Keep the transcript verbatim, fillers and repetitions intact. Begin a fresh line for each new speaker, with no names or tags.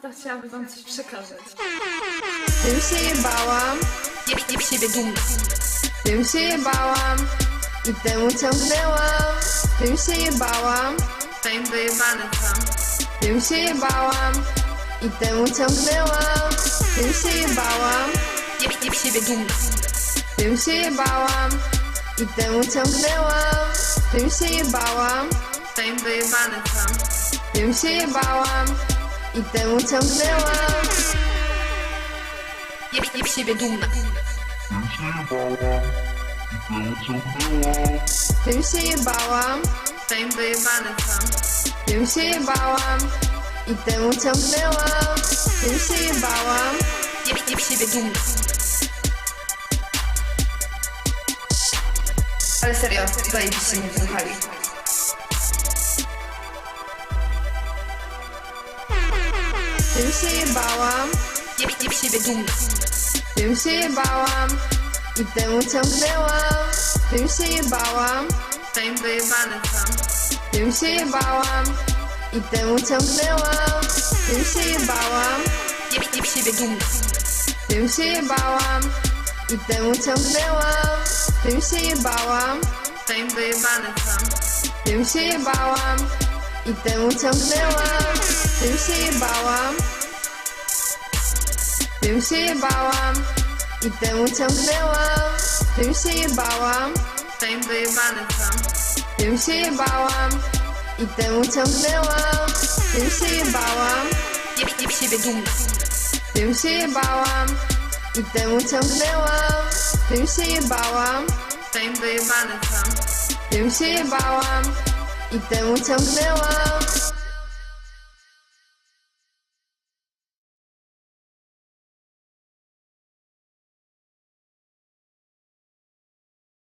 to chciałabym wam coś przekazać.
Tym się jebałam,
Jestem w siebie dumna.
tym się jebałam i temu ciągnęłam. Tym się jebałam,
Fame dojebany sam.
tym się jebałam i temu ciągnęłam. Tym się jebałam,
Jestem w siebie dumna.
tym się jebałam i temu ciągnęłam. Tym się jebałam,
Fame dojebany sam.
tym się jebałam i temu ciągnęłam.
Jestem w siebie dumna.
Tym się jebałam,
Fame dojebany sam.
tym się jebałam i temu ciągnęłam. Tym się jebałam,
Jestem w siebie dumna. Ale serio, zajebiście mnie słuchali.
tym się jebałam,
Jestem w siebie dumna.
tym się jebałam i temu ciągnęłam. Tym się jebałam,
Fame dojebany sam.
tym się jebałam i temu ciągnęłam. Tym się jebałam,
Jestem w siebie dumna.
tym się jebałam i temu ciągnęłam. Tym się jebałam,
Fame dojebany sam.
tym się jebałam i temu ciągnęłam. Tym się jebałam, tym się jebałam i temu ciągnęłam. Tym się jebałam,
Fame dojebany sam.
tym się jebałam i temu ciągnęłam. Tym się jebałam,
Jestem w siebie dumna.
tym się jebałam i temu ciągnęłam. Tym się jebałam,
Fame dojebany sam.
tym się jebałam i temu ciągnęłam.